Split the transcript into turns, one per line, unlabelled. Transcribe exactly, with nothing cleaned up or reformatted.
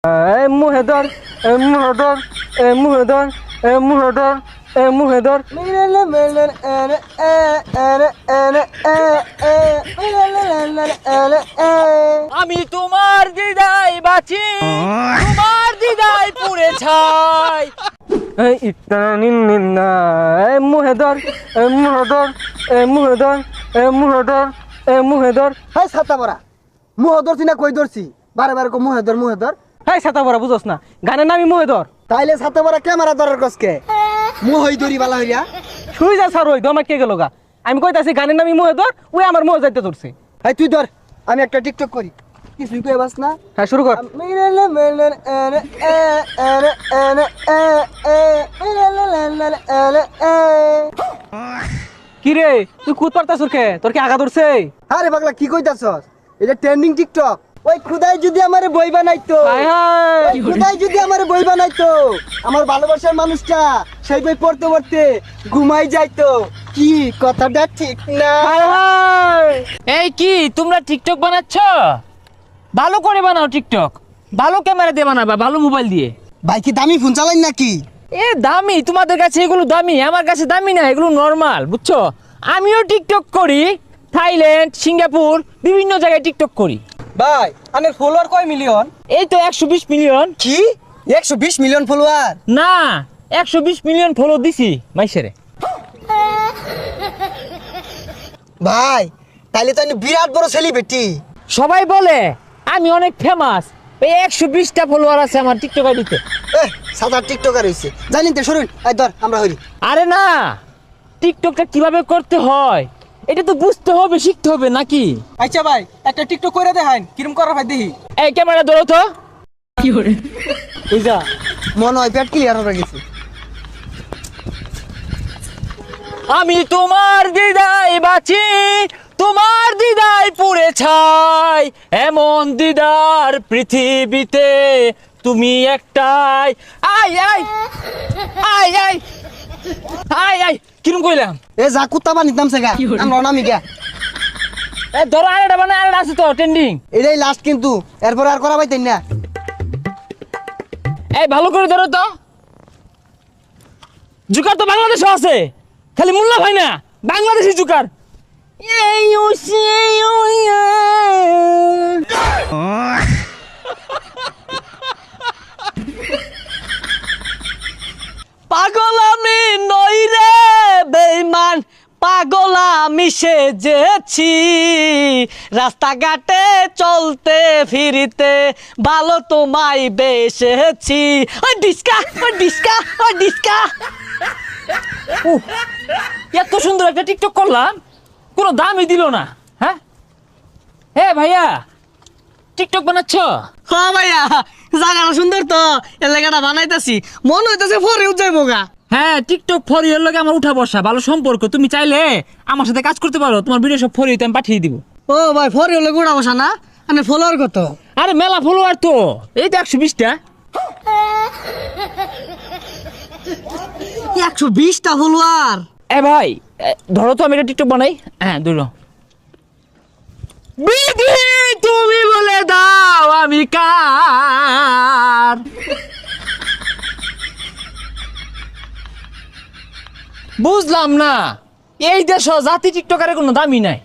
এই মুহে ধর এই মুহে ধর এই মুহে ধর এই মুহে ধর এই মুহে ধর
আমি তোমার দিদাই বাঁচি, তোমার দিদাই পুড়ে ছাই।
এই ইত্তানা নিন নিন না এই মুহে ধর এই মুহে ধর এই মুহে ধর এই মুহে ধর এই মুহে ধর।
হাই ছাতা পরা মুহ ধরছি না কই ধরছি বারে বারে কো মুহে ধর মুহে ধর।
এই ছাতা পরা বুঝোস না গানের নামই মুহে ধর।
তাইলে ছাতা পরা ক্যামেরা ধরার কসকে মুহ হই ধরি বালা হইয়া
শুই যা স্যার ওই দমা কে গেল গা। আমি কইতাছি গানের নামই মুহে ধর, ওই আমার মুহে যাইতে ধরছে।
হাই তুই ধর আমি একটা টিকটক করি কিছুই কই বাস না।
হ্যাঁ শুরু কর। কি রে তুই কুদ পারতাছ কে? তোর কি আগা ধরছে?
আরে পাগলা কি কইতাছস? এটা ট্রেন্ডিং টিকটক। ওই খুদাই যদি আমারে বই বানাইতো,
হায় হায়
ওই খুদাই যদি আমারে বই বানাইতো, আমার ভালোবাসার মানুষটা সেই বই পড়তে পড়তে ঘুমাই যাইতো। কি কথাটা ঠিক না?
হায় হায়
এই কি তোমরা টিকটক বানাচ্ছ? ভালো করে বানাও টিকটক, ভালো ক্যামেরা দিয়ে বানাবা, ভালো মোবাইল দিয়ে।
ভাই কি দামি ফোন চালাইন নাকি?
এ দামি, তোমাদের কাছে এগুলো দামি, আমার কাছে দামি না, এগুলো নর্মাল, বুঝছো? আমিও টিকটক করি, থাইল্যান্ড, সিঙ্গাপুর, বিভিন্ন জায়গায় টিকটক করি।
ভাই আনের ফলোয়ার কয় মিলিয়ন?
এই তো একশো বিশ মিলিয়ন।
কি একশো বিশ মিলিয়ন ফলোয়ার?
না, একশো বিশ মিলিয়ন ফলো দিছি মাইসেরে।
ভাই তাইলে তো আমি বিরাট বড় সেলিব্রিটি।
সবাই বলে আমি অনেক ফেমাস, এই একশো বিশটা ফলোয়ার আছে আমার টিকটক আইডিতে।
এহ সাদা টিকটকার হইছে জানেন তো। শুনুন আই ধর আমরা হইরি।
আরে না, টিকটকটা কিভাবে করতে হয় এটা তো বুঝতে হবে, শিখতে হবে নাকি?
আচ্ছা ভাই একটা টিকটক করে দেখাইন, কিরম করা ভাই দেখি।
এই ক্যামেরা ধরো তো। কি করে
বুঝা মনে হয় পেট ক্লিয়ার হয়ে গেছে।
আমি তোমার দিদাই বাঁচি, তোমার দিদাই পুড়ে ছাই, এমন দিদার পৃথিবীতে তুমি একটাই। আই আই আই আই আই আই কিরম কইলাম?
এ যা কুত্তা বানিতাম সেগা আমরা নামি গিয়া।
এ ধরো আরেকটা বানায়, আরেকটা আছে তো ট্রেন্ডিং।
এটাই লাস্ট কিন্তু এরপর আর করা পাইতেন না।
এই ভালো করে ধরো তো। জুকার তো বাংলাদেশও আছে, খালি মোল্লা ভাই না, বাংলাদেশি জুকার। এই ও সেই ও ইয়া। পাগল আমি নই রে বেঈমান, পাগল আমি সেজেছি, রাস্তাঘাটে চলতে ফিরিতে ভালো তোমায় বেসেছি। ওই ডিস্কা ওই ডিস্কা ওই ডিস্কা। উহ, এত সুন্দর একটা টিকটক করলাম, কোনো দামই দিল না। হ্যাঁ হ্যাঁ ভাইয়া টিকটক বানাচ্ছ?
হ্যাঁ ভাইয়া জায়গাটা সুন্দর তো, এর লেগাটা বানাইতাছি মনে হইতাছে পরেও যাইবো গা।
হ্যাঁ টিকটক ফর ইউর লগে আমার উঠা বসা, ভালো সম্পর্ক। তুমি চাইলে আমার সাথে কাজ করতে পারো, তোমার ভিডিও সব ফর ইউতে আমি পাঠিয়ে দিব।
ও ভাই পরে হলে গোড়া বসা না, মানে ফলোয়ার কত?
আরে মেলা ফলোয়ার তো, এই তো একশো বিশটা।
একশো বিশটা ফলোয়ার?
এ ভাই এ, ধরো তো আমি একটা টিকটক বানাই। হ্যাঁ ধরো। বিধি তুমি বলে দাও আমি কার, বুঝলাম না। এই দেশ জাতি টিকটকারের কোনো দামই নাই।